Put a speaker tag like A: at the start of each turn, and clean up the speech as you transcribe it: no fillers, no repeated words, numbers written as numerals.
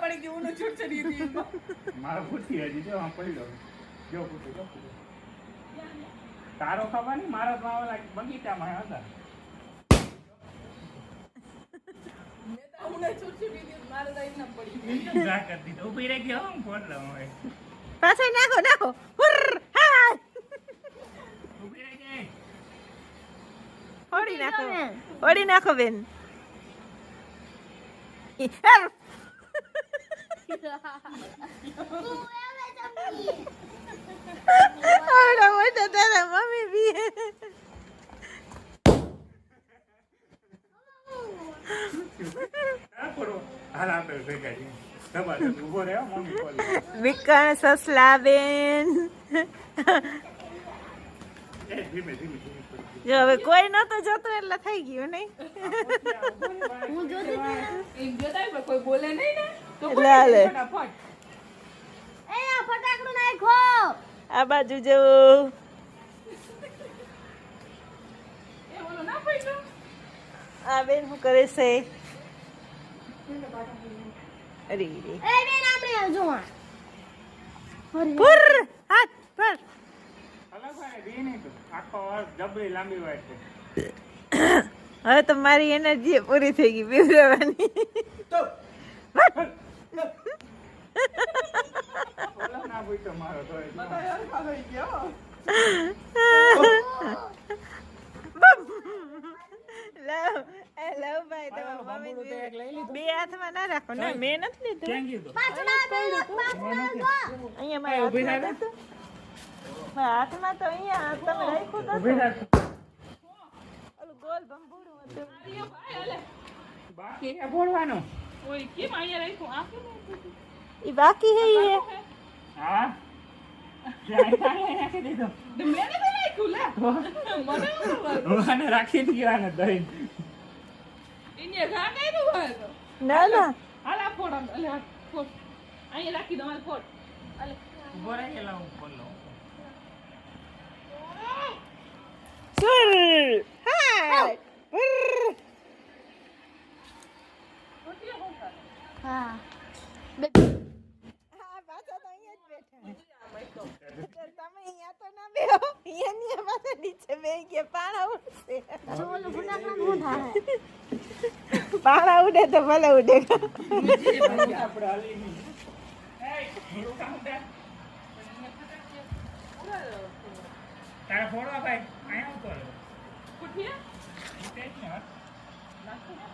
A: પડી ગઈ ઊનો છૂટછડી હતી
B: મારો ફૂટી હજી જો આમ પડ્યો જો ફૂટો તારો ખબર નહીં મારો તો ઓલા બગીચામાં હતા
A: મેં તો ઊનો છૂટછડી હતી મારે તો એમ પડી
B: જા કરી દીધો ઊભી રહી ગયો હું ફોન લઉં હવે
C: પાછળ નાખો હુર હા
B: ઊભી રહી ગઈ
C: ઓડી નાખો બેન આવડા મોટા તારા મમ્મી બી
B: હાલ આપણે ભેગા છીએ તમારે ઊભો રહ્યો મમ્મી કોલ
C: વિકણ સસલા બેન
B: ધીમે
C: જો હવે કોઈ નતો જતો એટલે થઈ ગયું નહીં
A: હું જોતી એમ જોતા પણ કોઈ બોલે નહીં ને તો
C: લે લે
A: ફટાફટ
D: એ આ ફટાકડું નાખો
C: આ બાજુ જો
A: એ ઓલો ના પડ્યો
C: આ બેન શું કરે છે અરે રે
D: એ બેન આપણે જો
C: પુર હાથ પર
B: અલગ હોય દી નહીં તો આખો જબરી લાંબી વાત છે
C: હવે તો મારી એનર્જી પૂરી થઈ ગઈ બીવરાવાની
B: ઓલો ના પૂછતો મારો તો
A: ખાઈ ગયો
C: લવ ભાઈ તમારા મમ્મી બે હાથમાં ના રાખો ને મેં નથી લીધું
B: ક્યાં ગયું તો
C: અહીંયા મારા હાથમાં તો અહીંયા તમે રાખ્યું તો
B: ઊભી રાખ
C: ઓલું ગોલ ભંભોળું હતું
A: ભાઈ હાલે
B: બાકી એ બોલવાનું
A: ઓય કેમ અહીંયા રાખ્યું આ કેમ
C: એ બાકી હે એ
B: હા જાય નાખી દીધો
A: મેં ને રાખ્યું લે મને
B: મને રાખી દીધા ને દહીં
A: ઇને ઘા કર્યું હોય તો
C: ના ના
A: હાલ આ ફોડ અલે આ ફોડ અહીંયા રાખી દો હાલ ફોડ અલે
B: ઉભો રહી ગયેલા હું બોલ લઉં
C: સુર હા પુર
A: રોટી હું કરે
D: હા
C: હા પાછા તો અહીંયા જ બેઠા તમે અહીંયા તો ના બેહો અહીંયા ની પાસે નીચે બેહી ગયા પાણા ઉડશે
D: જો ઓલું ફટાકડું નું થાય
C: પાણા ઉડે તો ભલે ઉડે
B: આપણે હાલી નહીં થોડું કામ દે તારા ફોડવા ભાઈ અહીંયા ઉતરો
A: કુઠિયા
B: તે જ ને
A: નાખો